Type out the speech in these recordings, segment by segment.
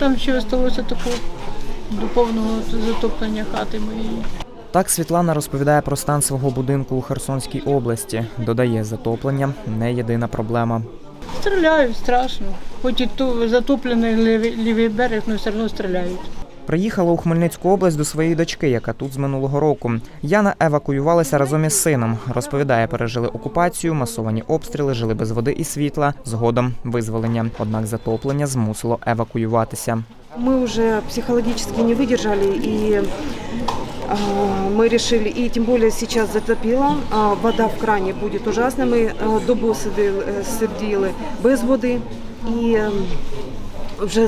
там ще залишилося такого до повного затоплення хати моєї. Так Світлана розповідає про стан свого будинку у Херсонській області. Додає, затоплення – не єдина проблема. Стріляють страшно. Хоч і тут затоплений лівий берег, але все одно стріляють. Приїхала у Хмельницьку область до своєї дочки, яка тут з минулого року. Яна евакуювалася разом із сином. Розповідає, пережили окупацію, масовані обстріли, жили без води і світла, згодом визволення. Однак затоплення змусило евакуюватися. Мы уже психологически не выдержали, и мы решили, и тем более сейчас затопило, вода в кране будет ужасна, мы добу сиділи без води, і вже,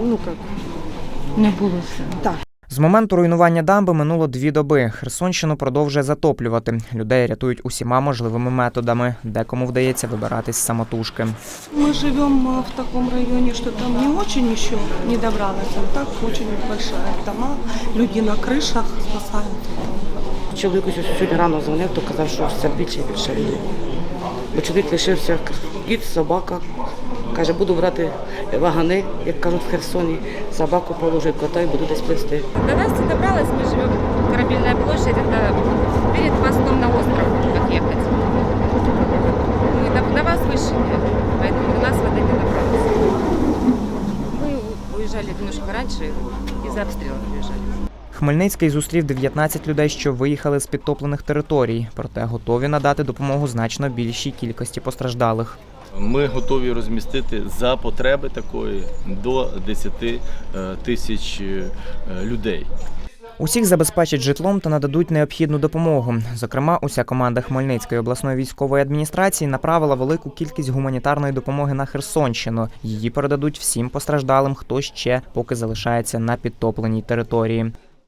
Не було все. так. З моменту руйнування дамби минуло 2 доби. Херсонщину продовжує затоплювати. Людей рятують усіма можливими методами. Декому вдається вибиратись самотужки. Мы живем в таком районе, что там не очень еще не добралась, а так очень большая дома, люди на крышах спасают. Чоловік сьогодні рано дзвонив, то казав, що все більше і більше людей. Бо чоловік лишився кіт, собака. Каже, буду брати вагани, як кажуть в Херсоні, собаку положу, кота і буду десь плести. До нас не добралась, мы живем Корабельная площадь, это перед мостом на остров, как ехать. Мы на вас выше, поэтому до нас вода не добралась. Мы уезжали немножко раньше, из-за обстрелов уезжали. Хмельницький зустрів 19 людей, що виїхали з підтоплених територій. Проте готові надати допомогу значно більшій кількості постраждалих. Ми готові розмістити за потреби такої до 10 тисяч людей. Усіх забезпечать житлом та нададуть необхідну допомогу. Зокрема, уся команда Хмельницької обласної військової адміністрації направила велику кількість гуманітарної допомоги на Херсонщину. Її передадуть всім постраждалим, хто ще поки залишається на підтопленій території.